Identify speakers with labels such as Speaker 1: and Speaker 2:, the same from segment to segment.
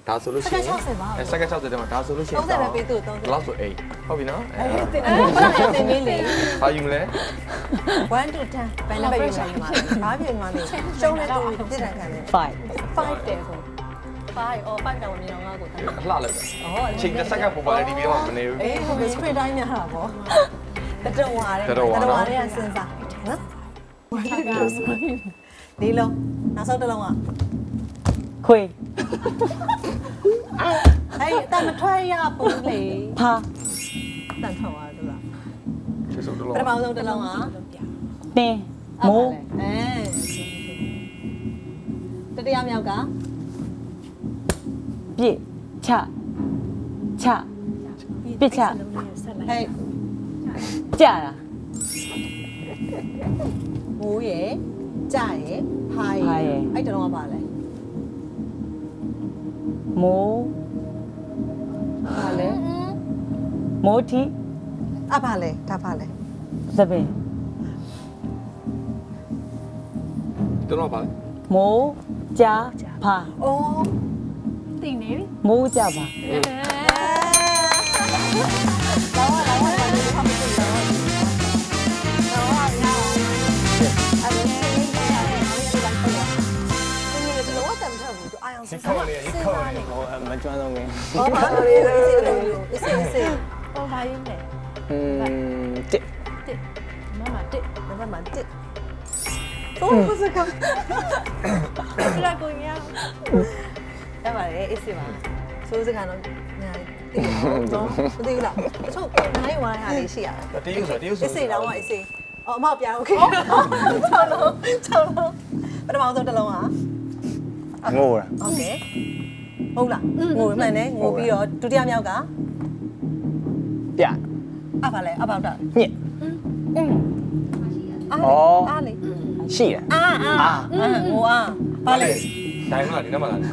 Speaker 1: ဒါဆိုလို့ရှိရင်စက္ကန့်60တဲ့မှာဒါဆိုလို့ရှိရင်30ပဲပေးသူ့30လောက်ဆို8ဟုတ်ပြီနော်
Speaker 2: တင်မင်းလေ
Speaker 1: ဘာယူမလဲ
Speaker 2: 1 to 10ဘယ်နဲ့ပဲယူနိုင်မှာဘာပြင်မှာလဲရှုံးတဲ့သူပြစ်ဒဏ်ခံတယ်5တယ်ဆို5အော်5တောင်မြင်အောင်ငါ့ကိုတန်း
Speaker 1: အလှလိုက်တယ်ချိန်တစ်စက္ကန့်ပေါ်ပါလေဒီပြီးတော့မနေဘူး
Speaker 2: အေးဟိုစပရစ်တိုင်းများတာပေါ့တတော်ဝါတဲ့တတော်ဝါတဲ့စဉ်းစားနော်လေးလုံးနောက်ဆုံးတစ်လုံးက
Speaker 3: ခွေ
Speaker 2: အဲ့တန်မထွက်ရဘူးလေ
Speaker 3: ဖာ
Speaker 2: တန်ထွက်သွားတယ်လား
Speaker 1: ချက်စုံတစ်လုံး
Speaker 2: ပထမဆုံးတစ်လုံးက
Speaker 3: တင်းမိုး
Speaker 2: တတရားမြောက်က
Speaker 3: ပြည့်ချပြည့်ချ
Speaker 2: ဟဲ့
Speaker 3: ကြတာ
Speaker 2: မိုးရယ်ကြရယ်ဟာရယ်အဲ့တလုံးကပါလဲ
Speaker 3: မိုး
Speaker 2: ပါလဲ
Speaker 3: မိုးတီ
Speaker 2: အပါလဲဒါပါလဲ
Speaker 3: သပင်
Speaker 1: တော့ပါလေ
Speaker 3: မိုးကြဖာ
Speaker 2: အိုးသိနေပြီ
Speaker 3: မိုးကြပါ
Speaker 1: ခေါ်နေဟိုမကျွမ်းတော့ဘူး
Speaker 2: ဟောပါလို့ရေးစေးဟောပါရင်းတယ်
Speaker 1: တစ်
Speaker 2: မမတစ်တော့စကားပြလာကိုရရပါတယ်အေးစေးပါစိုးစကားတော့ညာတိတော့မသိဘူးလားအချို့နိုင်ဝိုင်းဟာလေးရှိရတယ်
Speaker 1: တရုပ်ဆို
Speaker 2: အေးစေးတော့အေးစေးအော်အမပြန်โอเค6လုံးပထမဆုံးတစ်လုံးဟာ
Speaker 1: ငိုတာ
Speaker 2: โอเคဟုတ်လားငိုမှန်တယ်ငိုပြီးတော့ဒုတိယမြောက်က
Speaker 1: ပြ
Speaker 2: အပါလဲအပေါက်တာ
Speaker 1: ညစ်
Speaker 2: အားလေ
Speaker 1: ရှိတယ်
Speaker 2: အာငိုအားပါလေ
Speaker 1: ဒိုင်မလားဒီနေ့မလား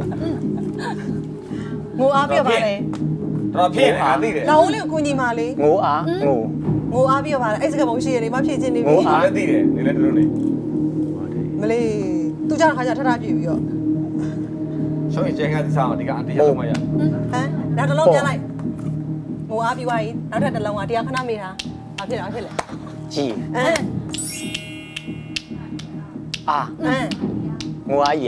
Speaker 2: ငိုအားပြီးတော့ပါလေ
Speaker 1: တော်ဖြစ်တယ်အားသိတယ်
Speaker 2: လောင်းလေးကိုကူညီပါလေ
Speaker 1: ငိုအား
Speaker 2: ငိုအားပြီးတော့ပါလေအဲ့စကပုံရှိရလေမဖြည့်ချင်းနေပြီ
Speaker 1: ငိုအားလည်းသိတယ်နေလည်းတို့နေ
Speaker 2: မလေးသူကြောင့်ခါကျထထပြည့်ပြီးတော့
Speaker 1: ရှောင်းရင်ကျန်ကသစားအောင်ဒီကအန်တီရလုံးမရ
Speaker 2: ဟမ်နောက်တစ်လုံးပြန်လိုက်ငိုအားပြီးသွားပြီနောက်ထပ်တစ်လုံးကတရားခဏမေးတာဘာဖြစ်လဲ
Speaker 1: ကြီးငိုအားကြီး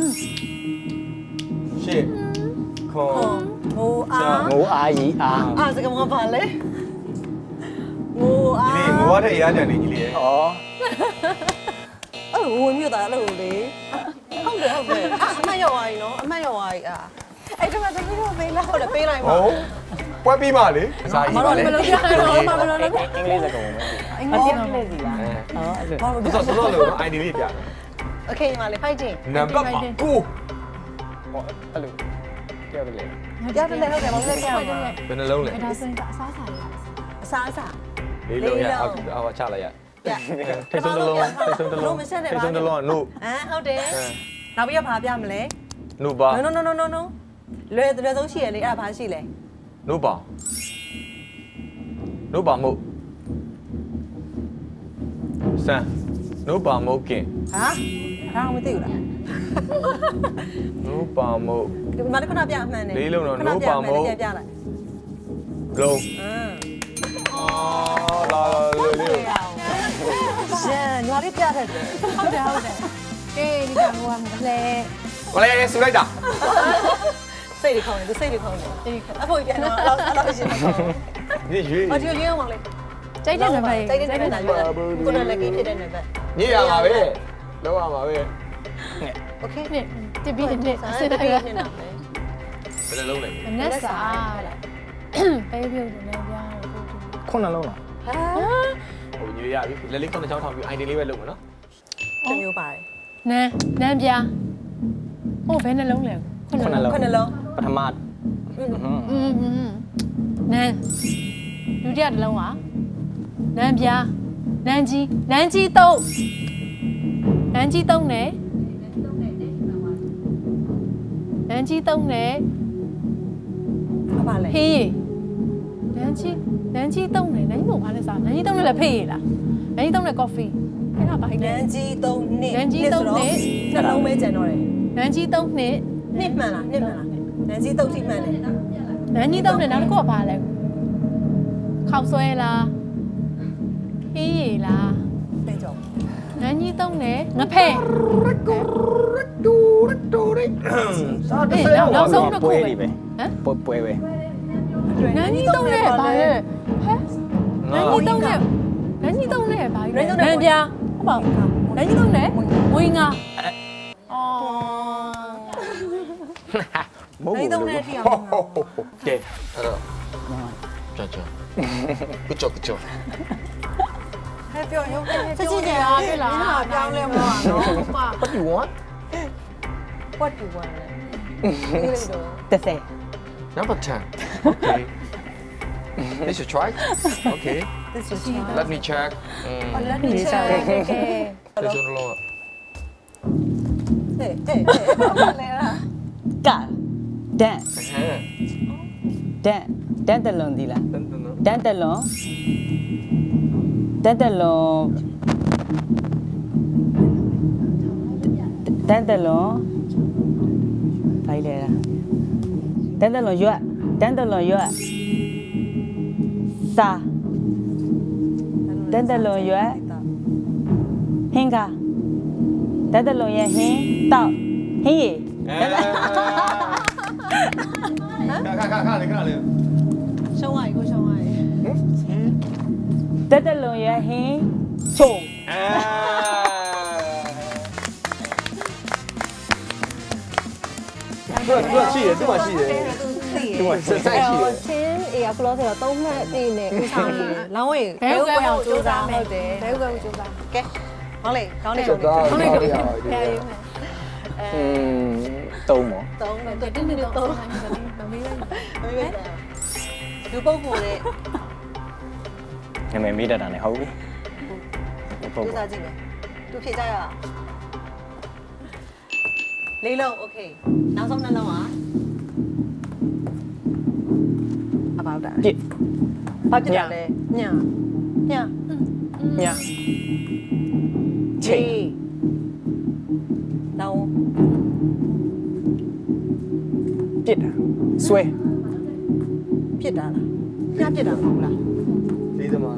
Speaker 1: ရှေ့ခေါ်
Speaker 2: ငိုအားစကပုံကပါလေငိုအား
Speaker 1: ဒီငိုအားတဲ့ရားကြံနေကြီးလေ
Speaker 2: အဲ့ဝင်မြတာလို့လေဟုတ်တယ်အမတ်ရောက်သွားပြီနော်အမတ်ရောက်သွားပြီအဲ့ဒါမှသမီးတို့ပေးလိုက်ဟုတ်တယ်ပေးလိုက်ပါ
Speaker 1: ဟုတ်ပွဲပြီးမှလေ
Speaker 2: စာရေးပါလေမလို့ရတော့မလို့လည်း
Speaker 1: အင်္ဂလိပ်စကားဝင်
Speaker 3: အင်္ဂလိပ်စီလား
Speaker 1: ဟုတ်ဆိုတော့လို့ ID လေးပြ
Speaker 2: โอเคပါလေ fighting
Speaker 1: နံပါတ်9ဟောအဲ့လိုပြောတယ်လေ
Speaker 2: ပြောတယ်ဟုတ်တယ်ဘာလို့လဲပြောတယ်
Speaker 1: ဘယ်နှလုံးလဲ
Speaker 4: ဒါဆိုရင်အစားစားရ
Speaker 2: အစားအစာ
Speaker 1: လေးလုံးရအော်ချလိုက်ရထိတ်ဆုံးတစ်လုံး
Speaker 2: လုံးမဆက်နဲ့ပါ
Speaker 1: ထိတ်ဆုံးတစ်လုံးက no
Speaker 2: ဟုတ်တယ်နောက်ပြီးတော့ဘာပြမလဲ
Speaker 1: no ပါ
Speaker 2: no လွယ်ဆုံးရှိရလေအဲ့ဒါဘာရှိလဲ
Speaker 1: no ပါ no ပါမို့စမ်း no ပါမို့ကင်
Speaker 2: ဟာဒါမှမသိဘူးလား
Speaker 1: no ပါမို့
Speaker 2: ဒီမှာတစ်ခဏပြအမှန်နေ
Speaker 1: လေးလုံးတော့ no ပါမို့
Speaker 2: ပြလိုက်
Speaker 1: လုံးလာလေး
Speaker 2: ရှန်ညီမလေးပြတယ်
Speaker 4: ဟုတ်တယ်ကဲဒီကဟိုကမလဲ
Speaker 1: ကိုလေးဆူလိုက်တာ
Speaker 2: စိတ်တွေခေါင်းနေသူစိတ်တွေခေါင်းနေအဖိုးပြန်တော့အဲ့လိုရှင်းတော့
Speaker 1: ဒီရွေး
Speaker 2: အော်ဒီရွေးအောင်ပါလေ
Speaker 4: ကြိုက်တဲ့နံပါတ်
Speaker 2: ကြိုက်တဲ့နံပါတ်ကိုလည်းကင်းဖြစ်တဲ့နံပါတ်
Speaker 1: ညရပါပဲလောက်ရပါပဲ
Speaker 2: โอเค
Speaker 4: နှစ်တပည့်နှစ်
Speaker 2: စစ်တယ်ကနှစ်နာပဲ
Speaker 1: ဘယ်လုံးလဲ
Speaker 4: မနက်စာပေးပြုတ်တယ်လည်းပြားတော့
Speaker 1: ခုနလုံးလား
Speaker 2: ဟာ
Speaker 1: ဟိုညရပြီလက်လေးခုနချောင်းထောင်ပြီး ID လေးပဲလုပ်မယ်နော်
Speaker 2: တမျိုးပါတယ်
Speaker 4: နန်းပြားဟိုဘယ်နှလုံးလဲ
Speaker 2: ခုနလုံး
Speaker 1: ပထမ
Speaker 4: နန်းဒုတိယတစ်လုံးကနန်းပြားနန်းကြီး3နဲ့ဖေးရနန်းကြီး3နဲ့ဘုံဘာလဲစားနန်းကြီး3နဲ့လည်းဖေးရလားနန်းကြီး3နဲ့ coffee အဲ့ဒါဘာလဲ
Speaker 2: နန်းကြီး3နှစ်
Speaker 4: နန်းကြီး3နှစ်
Speaker 2: နှလုံးပဲကျန်တော့တယ်
Speaker 4: နန်းကြီး3နှစ်
Speaker 2: နှစ်မှန်လားနန်းကြီးတုတ်ထိမှန်တယ်
Speaker 4: နန်းကြီးတုံးနဲ့နောက်တစ်ခုကဘာလဲခောက်ဆွဲလားဟင်းရည်လား
Speaker 2: တဲ့ကြောင့်
Speaker 4: နန်းကြီးတုံးနဲ့ငဖဲ့
Speaker 1: စားတ
Speaker 4: အေး
Speaker 1: ဆဲ
Speaker 4: နောက်ဆုံးတစ်ခု
Speaker 5: ပွဲ
Speaker 4: ပဲ
Speaker 5: လေးပဲ
Speaker 4: ဟမ်
Speaker 5: ပွဲပဲ
Speaker 4: နန်းကြီးတုံးနဲ့ဘာလဲဟဲ့နန်းကြီးတုံးနဲ့နန်းကြီးတုံးနဲ့ဘာလဲနန်းပြားဟုတ်ပါနန်းကြီးတုံးနဲ့ဝင်းငါအော်
Speaker 5: မဟုတ်
Speaker 2: နန်း
Speaker 5: ဘူး
Speaker 2: တုံးနဲ့ထိအောင်
Speaker 1: ကဲအဲ့တော့ကြောက်ကြောက်ကုကြောကုကြော
Speaker 2: ဟဲ့ပြောရုံး
Speaker 4: ချက်ချင်းကြာဖြစ်လာ
Speaker 2: ပြောင်းလဲမလားနော်
Speaker 4: ဟုတ်ပါ
Speaker 1: What you want
Speaker 2: what you want
Speaker 3: 30
Speaker 1: Number 10 Okay This you try Okay
Speaker 2: this is
Speaker 1: Let me check
Speaker 2: let me check
Speaker 1: 这就弄了
Speaker 2: ဟဲ့လဲလား
Speaker 3: ကဒန်
Speaker 1: 嘿
Speaker 3: ဒန်တလွန်ဒီလား
Speaker 1: 等等呢
Speaker 3: ဒန်တလွန်ဒန်တလွန်ဒန်တလွန်ဖိုင်လေလားဒန်တလွန်ရွတ်ဒန်တလွန်ရွတ်စာဒန်တလွန်ရွတ်ဟင်းကဒန်တလွန်ရဲ့ဟင်းတောက်ဟင်းရည်
Speaker 1: 看嘞
Speaker 2: ရှုံးရည်ကိုရှုံးရည်
Speaker 3: တက်တက်လွန်ရဲ့ဟင်းချုံ
Speaker 1: 这细的这么细的这么深太细了
Speaker 2: ချင်းအေးကလောဆယ်တော့3မှတ်အေးနဲ့ဥစားနေတယ်လောင်းဝေး
Speaker 4: ဘဲဥကွဲအောင်စူးစမ်းမယ်
Speaker 2: ဟုတ်တယ်
Speaker 4: ဘဲဥကွဲအောင်စူးစမ်း
Speaker 2: ကဲဟောလေကောင်းနေ
Speaker 1: 走
Speaker 2: ကောင်း
Speaker 1: 到
Speaker 2: နေ
Speaker 1: 哪里啊
Speaker 4: ဖျားရင်းမယ်
Speaker 5: တုံးမော
Speaker 2: 3နဲ့
Speaker 4: 对，တင်းတင်းတော့တော့မမေးလိုက်
Speaker 2: မေးပဲလူပုတ်ဖို့တဲ့
Speaker 5: နာမည်မေးတတ်တာနဲ့ဟုတ်ပြီဟုတ်
Speaker 2: ဥစားကြည့်မယ်သူဖြေကြရအောင်လေးလုံးโอเคနောက်ဆုံးနှလုံးอ่ะအပေါက်တာ
Speaker 5: ပြစ်
Speaker 2: ဘာဖြစ်တာလဲညည
Speaker 5: ည
Speaker 2: ချေလောင်း
Speaker 5: ပြစ်တာဆွဲ
Speaker 2: ပြစ်တာလားညပြစ်တာမဟုတ်လား
Speaker 1: 你怎么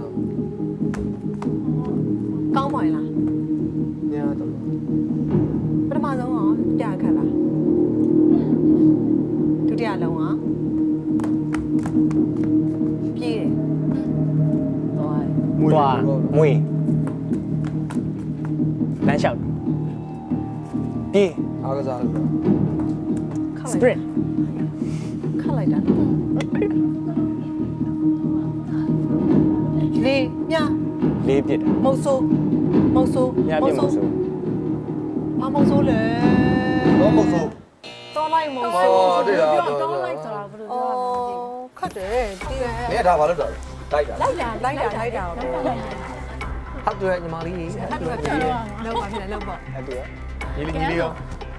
Speaker 2: ကောင်းပါရဲ့လား
Speaker 1: 你怎么
Speaker 2: ပထမဆုံးကပြခတ်လားဒုတိယလုံးကပြေးတယ်သွား
Speaker 5: သွားမွေးလမ်းလျှောက်ပြေး
Speaker 1: 阿个啥
Speaker 2: ခတ်
Speaker 3: စ
Speaker 2: လိုက်
Speaker 3: ပရင့်
Speaker 2: ခတ်လိုက်တာလေးည
Speaker 5: လေးပြစ်တာ
Speaker 2: မုတ်ဆိုးမုတ်ဆိုး
Speaker 5: ညပြစ်မဆိုး
Speaker 2: ဘာမုတ်ဆိုးလဲ
Speaker 1: 多么粗
Speaker 2: တော်လိုက်မုတ်
Speaker 1: 哦
Speaker 2: ဆိုး
Speaker 1: 对了
Speaker 4: တော့လိုက်ဆိုတာဘယ်လို
Speaker 2: အော်ခတ်တယ်ပြီးတယ်
Speaker 1: 你也打发了的来的
Speaker 2: လိုက်တာပေါ့
Speaker 1: 他对你妈哩
Speaker 2: ခတ်တယ်ပြန်လောက်ပါဖြစ်တယ်လောက်ပါ
Speaker 5: အဲ့တူရ
Speaker 1: 你哩你哩哟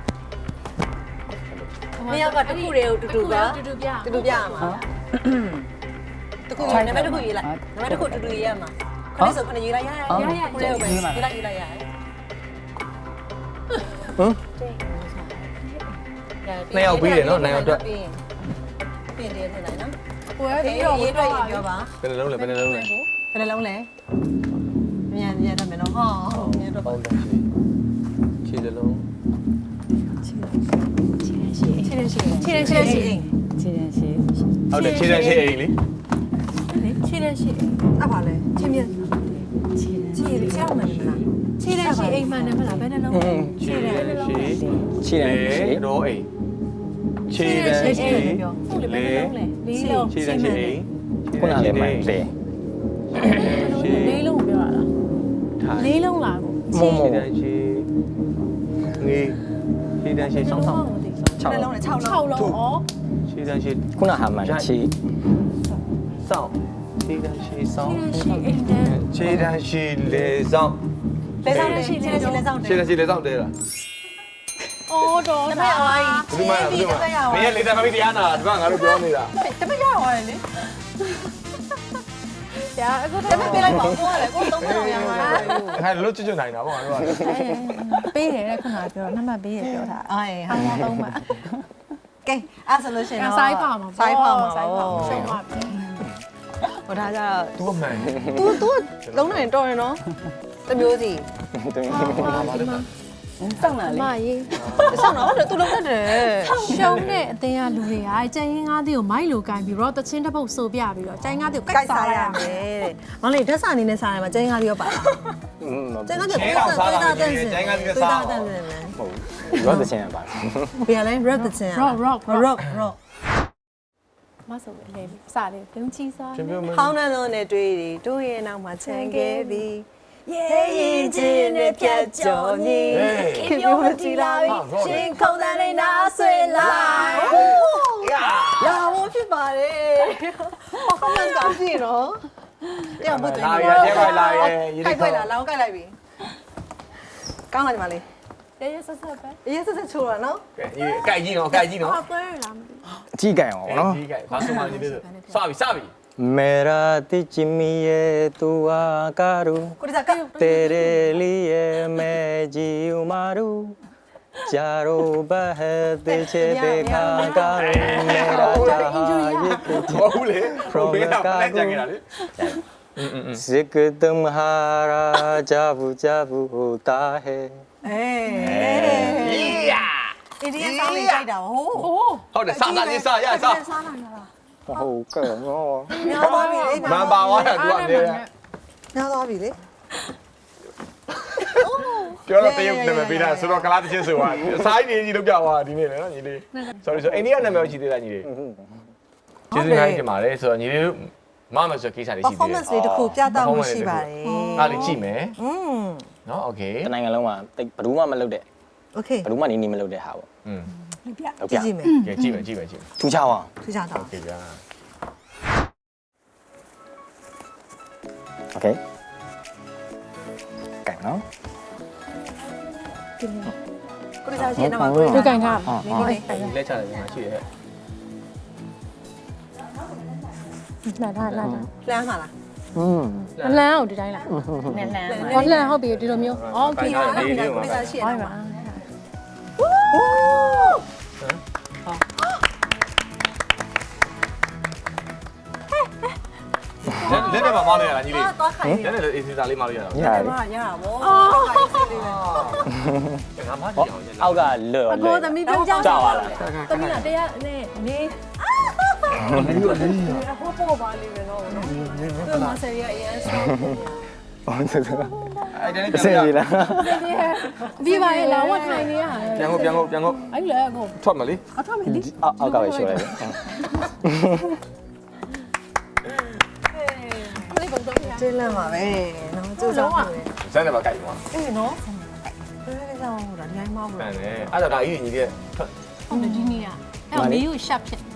Speaker 2: နှစ်ယောက်ကတစ်ခုတည်းကိုတူတူပါ
Speaker 4: တူတူပြ
Speaker 2: တူတူပြရမှာတစ်ခုနံပါတ်တစ်ခုရေးလိုက်နံပါတ်တစ်ခုတူတူရေးရမှာခဏဆိုခဏရေးလိုက်ရခုနည်းပဲရေးလိုက်ရတယ်
Speaker 1: 嗯နှစ်ယောက်ပြီးတယ်နော်နှစ်ယောက်အတွက်
Speaker 2: ပြင်တယ်ထင်လိုက်နော်
Speaker 4: ကိုယ်
Speaker 2: ဒီ
Speaker 4: ပြီးတော့
Speaker 2: ရေးတွေ့ရင်ပြောပါ
Speaker 1: ဘယ်နှလုံးလဲဘယ်နှလုံးလဲ
Speaker 2: ဘယ်နှလုံးလဲမြန်မြန်တော့မယ်နော်ဟောမြန်တော့
Speaker 1: ပေါင်းတယ်ခြေစလုံး
Speaker 2: ခြေရရှိ
Speaker 4: ခြေရရှိခြေရရှိ
Speaker 3: ခြေရန်ရှိ
Speaker 1: ဟုတ်တယ်ခြေတန်းခြေအိမ်လေ
Speaker 4: ခြေရရှိ
Speaker 2: အဲ့ပါလဲခြေမြန်ခြေခြေအောင်မယ်မလား
Speaker 4: ခြေရရှိအိမ်မှန်တယ်မလားဘယ်နှလုံး
Speaker 1: ခြေတန်းခြေ
Speaker 5: ခြေတန်းခြေ
Speaker 1: တော့အိမ်ခြေတန်းခြေ
Speaker 4: ဟုတ်လေဘယ်နှလုံးလဲလေးလုံး
Speaker 1: ခြေတန်းခြေအိမ်
Speaker 5: ခုနလည်းမှန်လေ
Speaker 4: လေးလုံးပြောရတာ
Speaker 1: ထိုင်
Speaker 4: လေးလုံးလားကို
Speaker 5: မုံမုံ
Speaker 1: ခြေတန်းခြေငေးခြေတန်းခြေဆောင်းဆောင်း
Speaker 2: နှလုံးနဲ့6
Speaker 4: 6
Speaker 2: လုံး
Speaker 4: လုံးဩ
Speaker 1: ခြေတန်းခြေ
Speaker 5: ခုနဟာမှန်ခြေ
Speaker 1: ဆောင်းခြေတန်းခြေဆောင်း
Speaker 4: ခြေရရှိအိမ်တန်း
Speaker 1: ခြေတန်းခြေလေဆောင်း
Speaker 2: လဲဆောင်တယ်ခြေလက်ဆောင်တယ်
Speaker 1: ခြေတန်းခြေလေဆောင်းတဲလား
Speaker 4: ဩတော်
Speaker 2: တမက်အောင်
Speaker 1: ဘယ်မှာလဲဘယ်မှာမင်းလေတမ်းမပြီးတရားနာဒီကငါတို့ပြောနေတာ
Speaker 2: တမက်ရအောင်လေ
Speaker 4: ကြာအခု
Speaker 2: တမက်ပေးလိုက်ပါကိုကလည်းကို3မိနစ်ရမှာ
Speaker 1: ခိုင်လို့ချွတ်ချွတ်နိုင်တာပေါ့ငါတို့က
Speaker 4: ပေးတယ်တဲ့ခုနကပြောနံပါတ်ပေးရပြောတာ
Speaker 2: အေး
Speaker 4: အားလုံးမှ
Speaker 2: ကဲအဲ့ဆိုလို့ရှိရင်တော့
Speaker 4: စိုင်းပါမှာ
Speaker 2: စိုင်းပါမှာ
Speaker 4: စိုင်းပါရှုံးပါပြီ
Speaker 2: ဟိုဒါကြတော့
Speaker 1: သူအမှန်
Speaker 2: तू လုံးနိုင်တော်ရင်နော်တမျိုးစီ
Speaker 3: စောင့်လာလေ
Speaker 4: မရေး
Speaker 2: ဆောင်းတော့ तू လုံးတတ်တယ်
Speaker 4: ရှုံးတဲ့အတင်းကလူတွေကကျန်ရင်ငါးသေးကိုမိုက်လိုကင်ပြီးတော့တချင်းတစ်ပုတ်ဆိုပြပြီးတော့ကျန်ငါးသေးကို
Speaker 2: ကို
Speaker 4: ကို
Speaker 2: က်
Speaker 4: က်
Speaker 2: စား
Speaker 4: စား
Speaker 2: ရ
Speaker 4: ရ
Speaker 2: မ
Speaker 4: မယ်
Speaker 2: ယ်မောင်လေးဓာတ်စာနေနဲ့စားရမှာကျင်းကားလေးရောပါလားကျင်းကားလေးကိုစားတာတန်းစင်ကျင်းကားလေးစားတာတန်းစင်လဲ
Speaker 5: ဟုတ်ရောတဲ့ချင်းပါ
Speaker 2: ဘယ်လဲ rap တဲ့ချင်း
Speaker 4: rock
Speaker 2: rock
Speaker 4: မဆိုပဲလေစားလေဒုံချီစား
Speaker 1: ရှင်ပြောမ
Speaker 2: ဟောင်းနှလုံးနဲ့တွေ့တယ်တို့ရဲ့နောက်မှာချန်ခဲ့ပြီရဲ့ရင်ချင်းနဲ့ဖြတ်ကျော်နေခင်ဗျားကြည်လာပြီရှင်ခုံးတဲ့နာဆွေလိုက်ရာဝဖြစ်ပါတယ်ဟောင်းနှလုံးကောင်းကြည့်နော်တရားမတွေ့
Speaker 1: လာရကျဲပါလာရရေး
Speaker 2: ကြိုက်ခွက်လာလောင်းကြိုက်လိုက်ပြီကောင်းလာကြပါလေ
Speaker 4: ရဲရဲဆက်ဆက်ပဲ
Speaker 2: အရေးစစ်စစ်ချိုးတာနော်
Speaker 1: ကဲရေးအကြိုက်ကြီးနော်အကြိုက်ကြီးနော်
Speaker 4: ဟောပွဲရလားမသိ
Speaker 5: အကြီးကန်အောင်နော်
Speaker 1: ကြီးကဲဘာဆိုမှနေသေးစပြီ
Speaker 5: मेरा तिचमिए तू आकारू
Speaker 2: ကိုဒီစားက
Speaker 5: तेरे लिए मैं जीव मारू चारों बहत छे देखा करूं मेरा जहां ये
Speaker 1: ဘောဘူးလေဘေးကပလက်ကြခဲ့တာလေ
Speaker 5: जिक तुम्हारा जाबू जाबू होता है
Speaker 2: အေးအေးဒီဆောင်းလေးကြိုက်တာဟိုး
Speaker 1: ဟုတ်တယ်စတာလေးစရစ
Speaker 4: စားနိုင်လား
Speaker 5: हो करो
Speaker 2: ညာသွားပြီလေ
Speaker 1: မန်ပါသွားတာသူကနေ
Speaker 2: ညာသွားပြီလေ
Speaker 1: ပြောတော့တရုတ်နာမည်ပေးတာဆိုတော့ကလားတချင်းဆိုပါစားရည်ကြီးလုပ်ပြသွားဒီနေ့လေနော်ညီလေး sorry ဆိုအိန္ဒိယနာမည်ရှိသေးလားညီလေးကျေးဇူးများတင်ပါတယ်ဆိုတော့ညီလေးတို့မမဆိုကိစ္စလေးရှိသေးတယ်
Speaker 2: performance လေးတစ်ခုပြသမှုရှိပါတယ်
Speaker 1: အားလေးကြည့်မယ်
Speaker 2: อืม
Speaker 1: နော် okay
Speaker 5: တနိုင်ငံလုံးမှာဘယ်သူမှမလုပ်တဲ့
Speaker 2: okay
Speaker 5: ဘယ်သူမှနေမလုပ်တဲ့ဟာပေါ့
Speaker 1: อืม
Speaker 5: ဟုတ်
Speaker 2: ကြ
Speaker 5: ပြ
Speaker 2: ည့်ကြည့်မယ်
Speaker 1: ကဲကြည့်မယ်ကြည့်မယ်ကြည့်မယ်
Speaker 5: ထူးခြားအောင်
Speaker 2: သူကြတော့
Speaker 1: okay ဗျာ
Speaker 5: okay ကဲနော်
Speaker 2: ကိုဒီစားရှင်းတော့ကို
Speaker 4: တွေ့ကင်ထား
Speaker 2: မင်းလေး
Speaker 1: လက်ချတယ်ညီမရှိရဲ့
Speaker 4: လာလာလာ
Speaker 2: လမ်းမှာလား
Speaker 4: အလန်းအောင်ဒီတိုင်းလား
Speaker 3: နည်းနည်း
Speaker 4: ဟောလန်းဟုတ်ပြီဒီလိုမျိုးအော်ကြည့်ရ
Speaker 1: လေးလေး
Speaker 2: ကို
Speaker 1: ပါ
Speaker 2: ဒီစားရှင်း
Speaker 4: ဟော
Speaker 2: တော့
Speaker 4: ပါ
Speaker 1: လက်နဲ့မမလို့ရတာညီလေး
Speaker 2: သွားခိုင်း
Speaker 1: လက်နဲ့အေးစီစာလေးမလို့ရတာ
Speaker 5: ရ
Speaker 2: တယ်
Speaker 5: ပြီ
Speaker 2: မရတာဗောခိုင်းစစ်လေး
Speaker 1: ငါမကြည့်အောင်ည
Speaker 5: အောက်ကလွတ်
Speaker 4: အကိုသမီးပြောင်းကြောက်
Speaker 5: ကြောက်ပါလား
Speaker 4: သမီးကတရားနဲ့နေ
Speaker 2: ဟိုပေါ်ပါလိမ့်မယ်နော်သူမဆယ်ရအရင်ဆောင်း
Speaker 5: ဟုတ်တယ်
Speaker 1: အဲ့ဒါနဲ့
Speaker 5: အဆင်ပြေလား
Speaker 4: ပြီးပါရဲ့လာဝတ်ထိုင်နေရ
Speaker 1: ပြန်ကို
Speaker 4: အဲ့လေအကို
Speaker 1: ထွက်မလေး
Speaker 4: အထမလေး
Speaker 5: အောက်ကပဲရှိုးလိုက်
Speaker 4: လေးပုံတော့ပြ
Speaker 2: ကျင်းလန့်ပါပဲနော်ကျိုးစားပါပဲ
Speaker 1: စမ်းတယ်ပါကြိုက်ပါ
Speaker 2: အေးနော်ဘယ်လိုကြောင့်ဟိုဒါဒီတိုင်းမဟုတ်
Speaker 1: မှ
Speaker 2: ဘူး
Speaker 1: န်တယ်အဲ့ဒါဒါကြီးညီလေးထွက်
Speaker 4: ဟုတ်တယ်ဒီနေ့ကအဲ့မေးကိုရှက်ဖြစ်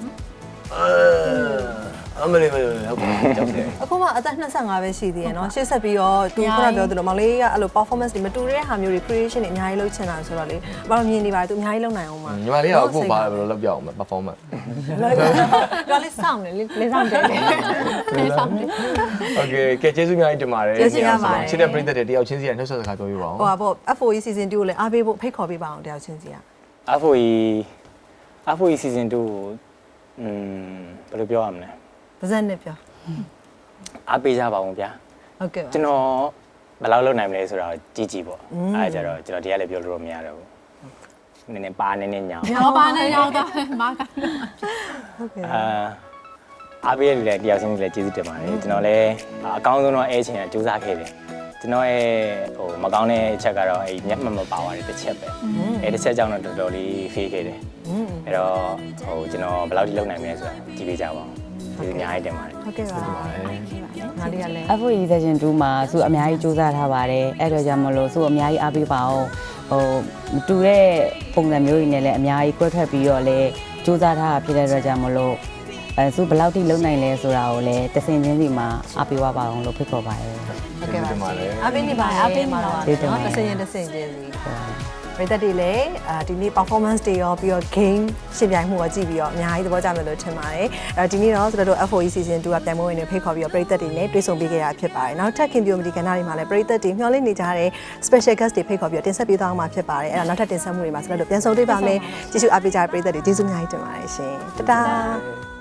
Speaker 1: အမလေးမလေးဟုတ်ကြောက်တယ်
Speaker 2: အခုမှအသက်25ပဲရှိသေးရယ်နော်ရှေ့ဆက်ပြီးတော့သူခုနပြောသလိုမောင်လေးကအဲ့လို performance တွေမတူတဲ့ဟာမျိုးတွေ creation တွေအများကြီးလုပ်ချင်တာဆိုတော့လေဘာလို့မြင်နေပါလဲသူအများကြီးလုပ်နိုင်အောင်မှာ
Speaker 1: ညီမလေးကအခုဘာလို့လောက်ပြအောင် performance
Speaker 2: တော့လေးစောင့်နေလေးစောင့်တယ်
Speaker 4: လေးဆောင်တယ်
Speaker 1: Okay ကဲကျေးဇူးများတင်ပါတယ်
Speaker 2: ကျေးဇူးများပါတယ်
Speaker 1: ချစ်တဲ့ပရိသတ်တွေတယောက်ချင်းစီကနှုတ်ဆက်စကားပြောပြပါဦး
Speaker 2: ဟိုပါပေါ့ FOE season 2ကိုလည်းအားပေးဖို့ဖိတ်ခေါ်ပေးပါအောင်တယောက်ချင်းစီက
Speaker 5: AFOE season 2ကိုဘယ်လိုပြောရမလဲ
Speaker 2: ပါဇက်နဲ့ပြော
Speaker 5: အားပေးကြပါဦးဗျာ
Speaker 2: ဟုတ်ကဲ့ပါ
Speaker 5: ကျွန်တော်ဘယ်လောက်လုပ်နိုင်မလဲဆိုတာကိုကြည့်ပေါ့အဲဒါကြတော့ကျွန်တော်ဒီကလည်းပြောလို့မရတော့ဘူးနည်းနည်းပါနည်းနည်းညောင်း
Speaker 4: ရောပါနဲ့ရောက်တော့မာက
Speaker 2: ဟုတ်ကဲ့
Speaker 5: အားပေးရတဲ့တယောက်ချင်းစီလည်းကျေးဇူးတင်ပါတယ်ကျွန်တော်လည်းအကောင်းဆုံးတော့အဲချင်တာစူးစမ်းခဲ့တယ်ကျွန်တော်ရဲ့ဟိုမကောင်းတဲ့အချက်ကတော့အဲမျက်မှန်မပါသွားတဲ့တစ်ချက်ပဲအဲတစ်ချက်ကြောင့်တော့တော်တော်လေးဖေးခဲ့တယ်အဲ့တော့ဟိုကျွန်တော်ဘယ်လောက်ထိလုပ်နိုင်မလဲဆိုတာကြည့်ပေးကြပါဦးဒီအများကြီးတင်ပါတယ်
Speaker 2: ဟုတ်ကဲ့ပါငါလေးကလည်း
Speaker 3: FOE season 2မှာသူအများကြီးစူးစမ်းထားပါတယ်အဲ့တော့ကြောင့်မလို့သူအများကြီးအားပေးပါအောင်ဟိုမတူတဲ့ပုံစံမျိုးတွေနဲ့လည်းအများကြီးကွဲထွက်ပြီးတော့လည်းစူးစမ်းထားတာဖြစ်တဲ့အတွက်ကြောင့်မလို့သူဘယ်လောက်ထိလုံနိုင်လဲဆိုတာကိုလည်းတဆင်ချင်းစီမှာအားပေးပါအောင်လို့ဖိတ်ခေါ်ပါတယ်
Speaker 2: ဟုတ်ကဲ့ပါအပင်းနေပါအပင်းမှာတော့တစ်စင်ချင်းချင်းစီပရိသတ်တွေလည်းဒီနေ့ performance တွေရောပြီးတော့ game ရှင်ပြိုင်မှုရောကြည့်ပြီးတော့အများကြီးသဘောကျမယ်လို့ထင်ပါတယ်ဒီနေ့တော့ကျွန်တော်တို့ FOE season 2ကပြိုင်ပွဲဝင်တွေဖိတ်ခေါ်ပြီးတော့ပရိသတ်တွေနဲ့တွေ့ဆုံပေးခဲ့ရဖြစ်ပါတယ်နောက်ထပ်ခင်ပြိုမဒီကဏ္ဍတွေမှာလည်းပရိသတ်တွေမျှော်လင့်နေကြတဲ့ special guest တွေဖိတ်ခေါ်ပြီးတော့တင်ဆက်ပေးသွားအောင်မှာဖြစ်ပါတယ်အဲ့ဒါနောက်ထပ်တင်ဆက်မှုတွေမှာကျွန်တော်တို့ပြန်ဆုံတွေ့ပါမယ်ကျေးဇူးအားပေးကြတဲ့ပရိသတ်တွေကျေးဇူးအများကြီးတင်ပါတယ်ရှင်တတား